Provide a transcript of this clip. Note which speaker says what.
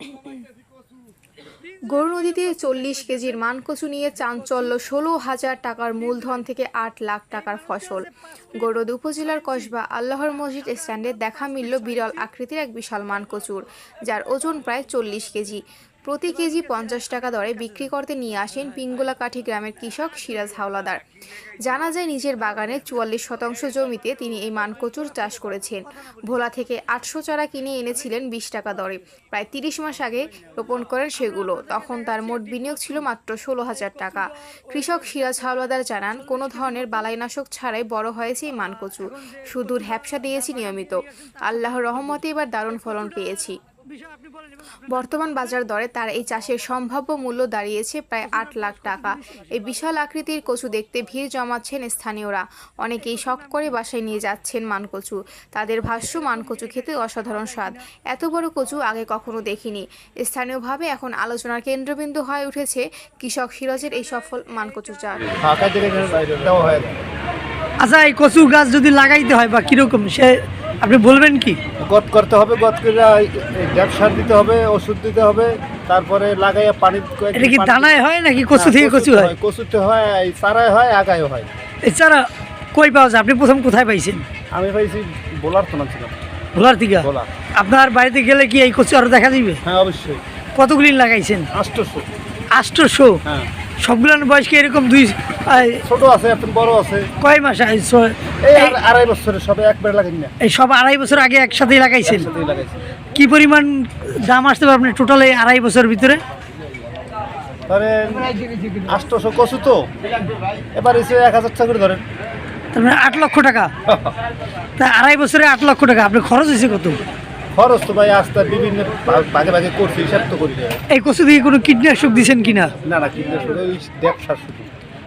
Speaker 1: গরুনদীতে 40 কেজির মানকচু নিয়ে চাঞ্চল্য, 16,000 টাকার মূলধন থেকে 8 লাখ টাকার ফসল। গৌরনদী উপজেলার কসবা আল্লাহর মসজিদ স্ট্যান্ডে দেখা মিলল বিরল আকৃতির এক বিশাল মানকচুর, যার ওজন প্রায় 40 কেজি। প্রতি কেজি 50 টাকা দরে বিক্রি করতে নিয়ে আসেন পিঙ্গলাকাঠি গ্রামের কৃষক সিরাজ হাওলাদার। জানা যায়, নিজের বাগানের 44% জমিতে তিনি এই মানকচুর চাষ করেছেন। ভোলা থেকে 800 চারা কিনে এনেছিলেন 20 টাকা দরে। প্রায় 30 মাস আগে রোপণ করেন সেগুলো। তখন তার মোট বিনিয়োগ ছিল মাত্র 16,000 টাকা। কৃষক সিরাজ হাওলাদার জানান, কোনো ধরনের বালাইনাশক ছাড়াই বড় হয়েছে এই মানকচু। শুধু হ্যাপসা দিয়েছি নিয়মিত। আল্লাহর রহমতে এবার দারুণ ফলন পেয়েছি। বর্তমান বাজার দরে তার এই চাষের সম্ভাব্য মূল্য দাঁড়িয়েছে প্রায় 8 লাখ টাকা। এই বিশাল আকৃতির কচু দেখতে ভিড় জমাচ্ছেন স্থানীয়রা। অনেকেই শখ করে বাসায় নিয়ে যাচ্ছেন মানকচু। তাদের ভাষ্য, মানকচু খেতে অসাধারণ স্বাদ। এত বড় কচু আগে কখনো দেখিনি। স্থানীয়ভাবে এখন আলোচনার কেন্দ্রবিন্দু হয়ে উঠেছে কৃষক সিরাজের এই সফল মানকচু চাষ।
Speaker 2: আচ্ছা, এই কচু গাছ যদি লাগাইতে হয় বা কিরকম সে আপনি বলবেন কি?
Speaker 3: গত করতে হবে, গত করে গ্যাপ সার দিতে হবে, ওষুধ দিতে হবে, তারপরে লাগাইয়া পানি।
Speaker 2: এটা কি দানায় হয় নাকি কচু থেকে কচু হয়?
Speaker 3: কচুতে হয়, এই চারায় হয়, আগায় হয়।
Speaker 2: এই চারা কই পাওয়া যায়? আপনি প্রথম কোথায় পাইছেন?
Speaker 3: আমি পাইছি বোলার তো ছিলাম।
Speaker 2: ভোলার থেকে?
Speaker 3: ভোলা।
Speaker 2: আপনার বাড়িতে গেলে কি এই কচু আরো দেখা দিবে?
Speaker 3: হ্যাঁ, অবশ্যই।
Speaker 2: কতগুলি লাগাইছেন?
Speaker 3: 800।
Speaker 2: 800?
Speaker 3: হ্যাঁ।
Speaker 2: সবগুলোর বয়স কি এরকম?
Speaker 3: ছোট আছে, এখন বড় আছে।
Speaker 2: কয় মাস?
Speaker 3: এই 2.5 বছরের সবে একবারে লাগাই না।
Speaker 2: এই সব 2.5 বছর আগে একসাথেই লাগাইছেন?
Speaker 3: একসাথেই লাগাইছি।
Speaker 2: কি পরিমাণ দাম আসতে পারে আপনার টোটাল এই 2.5 বছরের ভিতরে?
Speaker 3: ধরেন 800 কচু তো, এবার এসে 1000 টাকা করে ধরেন।
Speaker 2: তার মানে 8 লক্ষ টাকা। তা 2.5 বছরে 8 লক্ষ টাকা আপনার খরচ হয়েছে কত?
Speaker 3: খরচ তো ভাই আস্তে বিভিন্ন ভাগে ভাগে করছি, হিসাব তো করি না।
Speaker 2: এই কচু দিয়ে কোনো কীটনাশক দিয়েছেন কিনা?
Speaker 3: না, কীটনাশক ওই ব্যবসার শুধু।